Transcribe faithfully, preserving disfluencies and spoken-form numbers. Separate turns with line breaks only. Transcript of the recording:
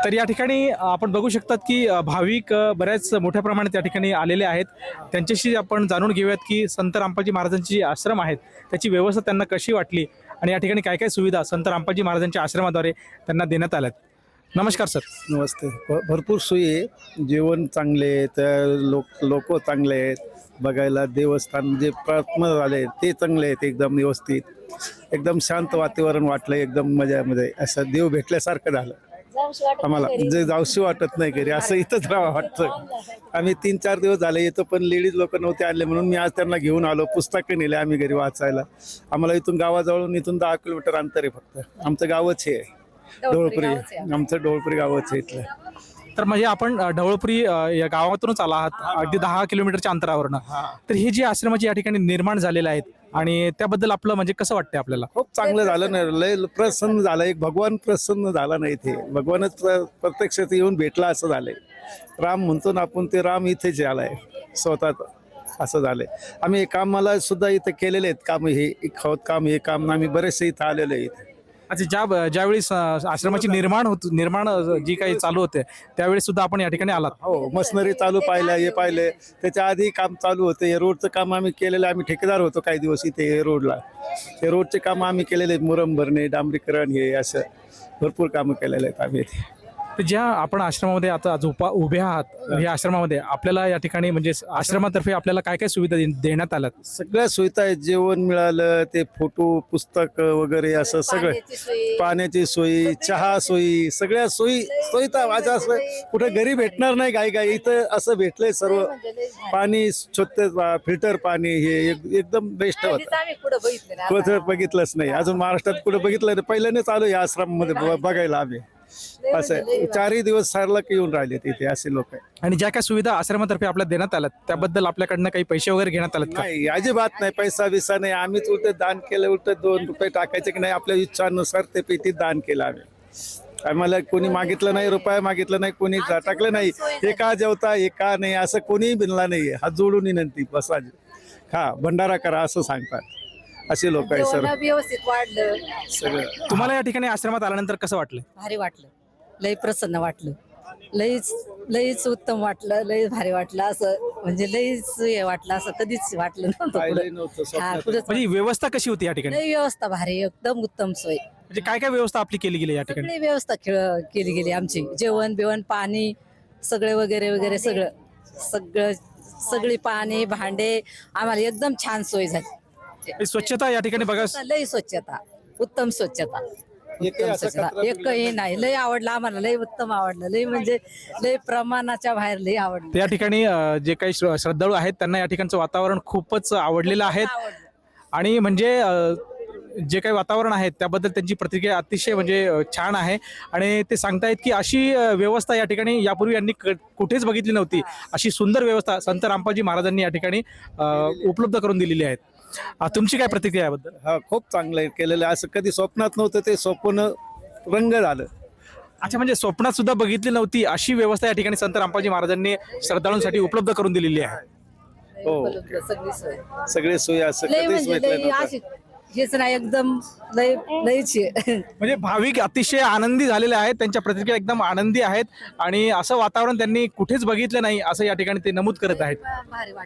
तर या ठिकाणी आपण बघू शकतात की अ, भाविक अ, बऱ्याच मोठ्या प्रमाणात या ठिकाणी आलेले आहेत. त्यांच्याशी आपण जाणून घेऊयात की संत रामपाजी महाराजांची जी आश्रम आहेत त्याची व्यवस्था त्यांना कशी वाटली आणि या ठिकाणी काय काय सुविधा संत रामपाजी महाराजांच्या आश्रमाद्वारे त्यांना देण्यात आल्यात. नमस्कार सर.
नमस्ते. भ भरपूर सोयी आहे. जेवण चांगले आहे, त्या लोक लोक चांगले आहेत. बघायला देवस्थान जे प्रार्थना झाले ते चांगले आहेत, एकदम व्यवस्थित. एकदम शांत वातावरण वाटलं, एकदम मजामध्ये असं देव भेटल्यासारखं झालं आम्हाला. जे जाऊशी वाटत नाही घरी, असं इथंच राहावं वाटतं. आम्ही तीन चार दिवस झाले येतो, पण लेडीज लोक नव्हते आले म्हणून मी आज त्यांना घेऊन आलो. पुस्तकं नेले आम्ही घरी वाचायला. आम्हाला इथून गावाजवळून इथून दहा किलोमीटर अंतर आहे फक्त. आमचं गावच हे आहे ढवळपुरी. आमचं ढवळपुरी गावच आहे इथलं.
तर म्हणजे आपण अ, ढवळपुरी अ, या गावातूनच आला आहात अगदी दहा किलोमीटरच्या अंतरावरनं. तर हे जे आश्रमाचे या ठिकाणी निर्माण झालेले आहेत आणि त्याबद्दल आपलं म्हणजे कसं वाटतंय आपल्याला?
खूप चांगलं झालं ना, लय प्रसन्न झालं. एक भगवान प्रसन्न झाला नाही इथे. भगवानच प्र- प्रत्यक्षात येऊन भेटला असं झालंय. राम म्हणतो ना आपण, ते राम इथेच आलाय स्वतः, असं झालंय. आम्ही कामाला सुद्धा इथं केलेले आहेत काम. हे खत काम, हे काम आम्ही बरेचसे इथं आलेले आहेत.
अच्छा, ज्या ज्यावेळी स- आश्रमाची निर्माण होत निर्माण अ, जी काही चालू होते त्यावेळी सुद्धा आपण या ठिकाणी आलात.
हो, मशनरी चालू पाहिलं, हे पाहिलं. त्याच्या आधी काम चालू होतं. हे रोडचं काम आम्ही केलेलं. आम्ही ठेकेदार होतो काही दिवस इथे हे रोडला. हे रोडचे काम आम्ही केलेले आहेत. मुरम भरणे, डांबरीकरण, हे असं भरपूर कामं केलेले आहेत आम्ही इथे.
तर ज्या आपण आश्रमामध्ये आता झोपा उभे आहात या आश्रमामध्ये आपल्याला या ठिकाणी म्हणजे आश्रमातर्फे आपल्याला काय काय सुविधा दे- देण्यात आल्यात?
सगळ्या सुविधा आहेत. जेवण मिळालं, ते फोटो पुस्तक वगैरे असं सगळं. पाण्याची सोयी, चहा सोयी, सगळ्या सोयी सोयीता माझ्या असं कुठं घरी भेटणार नाही. गाई गाई इथं असं भेटलंय सर्व. पाणी स्वच्छ, फिल्टर पाणी, हे एक- एकदम बेस्ट होतं. कुठं बघितलंच नाही अजून महाराष्ट्रात, कुठं बघितलं नाही. पहिल्याने चालू आहे आश्रमामध्ये ब- बघायला आम्ही. असं चारही दिवस सारला येऊन राहिले तिथे असे लोक.
आणि ज्या काय सुविधा आश्रमातर्फे आपल्याला देण्यात आल्यात त्याबद्दल आपल्याकडनं काही पैसे वगैरे घेण्यात आलेत का?
नाही, अजिबात नाही. पैसा बिसा नाही. आम्हीच उलट दान केलं. उलट दोन रुपये टाकायचे की नाही, आपल्या इच्छानुसार ते पेटीत दान केलं आम्ही. आम्हाला कोणी मागितलं नाही, रुपया मागितलं नाही, कोणी टाकलं नाही. हे का जेवता, हे का नाही, असं कोणीही बिनला नाही. हात जोडून विनंती, बसा खा, भंडारा करा असं सांगतात. असे लोक आहे सर
जेवण व्यवस्थित वाढलं,
सगळं.
तुम्हाला या ठिकाणी आश्रमात आल्यानंतर कसं वाटलं?
भारी वाटलं, लई प्रसन्न वाटलं, लईच लईच उत्तम वाटलं, लई भारी वाटलं. असं म्हणजे लईच हे वाटलं, असं कधीच वाटलं नव्हतं
पाहिलंही
पुढं.
नव्हतं
हा,
स्वप्नात.
पुढंच
म्हणजे व्यवस्था कशी होती या ठिकाणी?
लई व्यवस्था भारी, एकदम उत्तम सोय.
म्हणजे काय काय व्यवस्था आपली केली गेली या ठिकाणी?
सगळी व्यवस्था खेळ केली गेली आमची. जेवण बिवण, पाणी सगळे वगैरे वगैरे सगळं सगळं सगळी पाणी, भांडे, आम्हाला एकदम छान सोय झाली.
आणि स्वच्छता या ठिकाणी बघा.
लई स्वच्छता, उत्तम स्वच्छता,
एकही
उत्तम
असं
स्वच्छता.
कचरा
एकही नाही, लई आवडलं आम्हाला, लई उत्तम आवडलं, लई म्हणजे लई प्रमाणाच्या बाहेर लई आवडलं.
त्या ठिकाणी अ, जे काही श्र- श्रद्धाळू आहेत त्यांना या ठिकाणचं वातावरण खूपच आवडलेलं आहे.
आवडलं.
आणि म्हणजे अ, जे काही वातावरण आहे त्याबद्दल त्यांची प्रतिक्रिया अतिशय म्हणजे अ, छान आहे. आणि ते सांगतायत की अशी अ, व्यवस्था या ठिकाणी यापूर्वी यांनी क- कुठेच बघितली नव्हती. अशी सुंदर व्यवस्था संत रामपाजी महाराजांनी या ठिकाणी अ, उपलब्ध करून दिलेली आहे. अ, तुमची काय प्रतिक्रिया याबद्दल?
हा, खूप चांगलं आहे केलेलं. असं कधी स्वप्नात नव्हतं, ते स्वप्न रंग झालं.
अच्छा, म्हणजे स्वप्नात सुद्धा बघितली नव्हती अशी व्यवस्था या ठिकाणी संत रामपाजी महाराजांनी श्रद्धाळूंसाठी उपलब्ध करून दिलेली आहे.
लई
हो.
उपलब्ध सगळी सोय,
सगळे सोयी असं
लई
कधीच
म्हणजे
भेटलं
लई
नव्हतं.
अशी हेच नाही, एकदम लई लईच आहे.
म्हणजे भाविक अतिशय आनंदी झालेले आहेत. त्यांच्या प्रतिक्रिया एकदम आनंदी आहेत आणि असं वातावरण त्यांनी कुठेच बघितलं नाही असं या ठिकाणी ते नमूद करत आहेत.
भारी वाटलं.